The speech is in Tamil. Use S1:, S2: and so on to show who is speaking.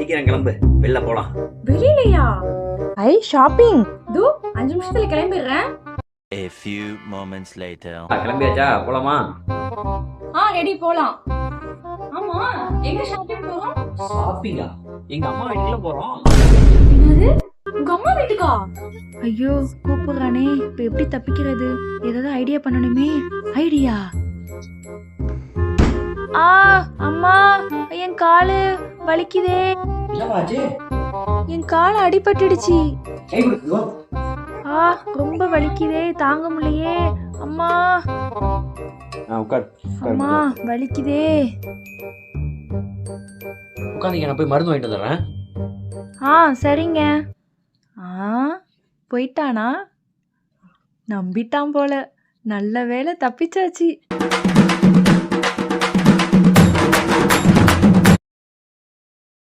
S1: சீக்கிரம் கிளம்பு, வெளில போலாம்.
S2: வெளியிலையா?
S3: Eye shopping.
S2: தூ 5 நிமிஷத்துல கிளம்பிடுறேன்.
S4: A few moments later.
S1: கிளம்பியாச்சா? போலாமா?
S2: ரெடி போலாம். ஆமா, எங்க ஷாப்பிங் போறோம்?
S1: ஷாப்பிங்கா? எங்க அம்மா வீட்டுல போறோம்.
S2: என்னது? உங்க அம்மா வீட்டுக்கா?
S3: ஐயோ கூப்பிடுறானே, இப்ப எப்படி தப்பிக்கிறது? ஏதாவது ஐடியா பண்ணணுமே. ஐடியா. அம்மா, என் காலு வலிக்குதே.
S1: என்னவாச்சு?
S3: என் கால் அடிபட்டுடுச்சு.
S1: கை கொடுத்து
S3: ரொம்ப வலிக்குதே, தாங்க முடியலையே. அம்மா
S1: உட்கார்.
S3: அம்மா வலிக்குதே.
S1: உட்காந்துங்க, நான் போய் மருந்து வாங்கிட்டு வந்துடுறேன்.
S3: சரிங்க. போயிட்டானா? நம்பிட்டான் போல. நல்ல வேளை தப்பிச்சாச்சு.